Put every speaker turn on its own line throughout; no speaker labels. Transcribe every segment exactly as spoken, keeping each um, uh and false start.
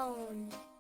alone.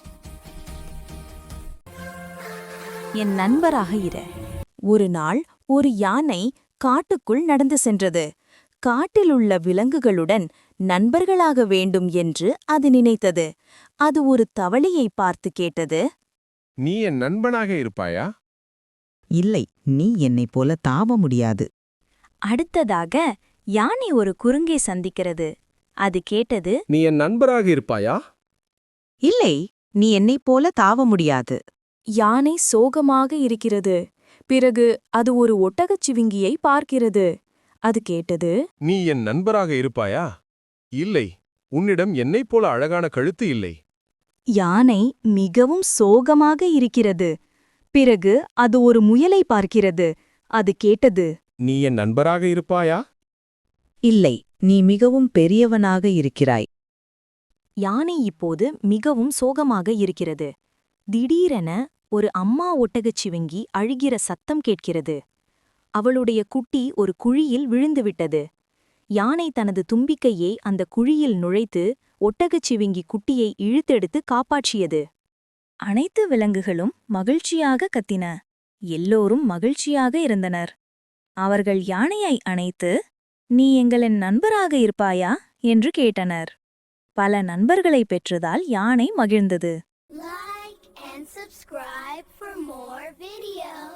என் நண்பராக இரு. ஒரு நாள் ஒரு யானை காட்டுக்குள் நடந்து சென்றது. காட்டிலுள்ள விலங்குகளுடன் நண்பர்களாக வேண்டும் என்று அது நினைத்தது. அது ஒரு தவளையை பார்த்து கேட்டது.
நீ என் நண்பனாக இருப்பாயா?
இல்லை, நீ என்னைப் போல தாவ முடியாது.
அடுத்ததாக யானை ஒரு குறுங்கை சந்திக்கிறது. அது கேட்டது.
நீ என் நண்பராக இருப்பாயா?
இல்லை, நீ என்னைப் போல தாவ முடியாது.
யானை சோகமாக இருக்கிறது. பிறகு அது ஒரு ஒட்டகச் சிவிங்கியை பார்க்கிறது. அது கேட்டது.
நீ என் நண்பராக இருப்பாயா? இல்லை, உன்னிடம் என்னைப் போல அழகான கழுத்து இல்லை.
யானை மிகவும் சோகமாக இருக்கிறது. பிறகு அது ஒரு முயலை பார்க்கிறது. அது கேட்டது.
நீ என் நண்பராக இருப்பாயா?
இல்லை, நீ மிகவும் பெரியவனாக இருக்கிறாய்.
யானை இப்போது மிகவும் சோகமாக இருக்கிறது. திடீரென ஒரு அம்மா ஒட்டகச் சிவிங்கி அழுகிற சத்தம் கேட்கிறது. அவளுடைய குட்டி ஒரு குழியில் விழுந்துவிட்டது. யானை தனது தும்பிக்கையை அந்த குழியில் நுழைத்து ஒட்டகச் சிவிங்கி குட்டியை இழுத்தெடுத்து காப்பாற்றியது. அனைத்து விலங்குகளும் மகிழ்ச்சியாக கத்தின. எல்லோரும் மகிழ்ச்சியாக இருந்தனர். அவர்கள் யானையை அணைத்து, நீ எங்களின் நண்பராக இருப்பாயா என்று கேட்டனர். பல நண்பர்களை பெற்றதால் யானை மகிழ்ந்தது.
Like and subscribe for more videos.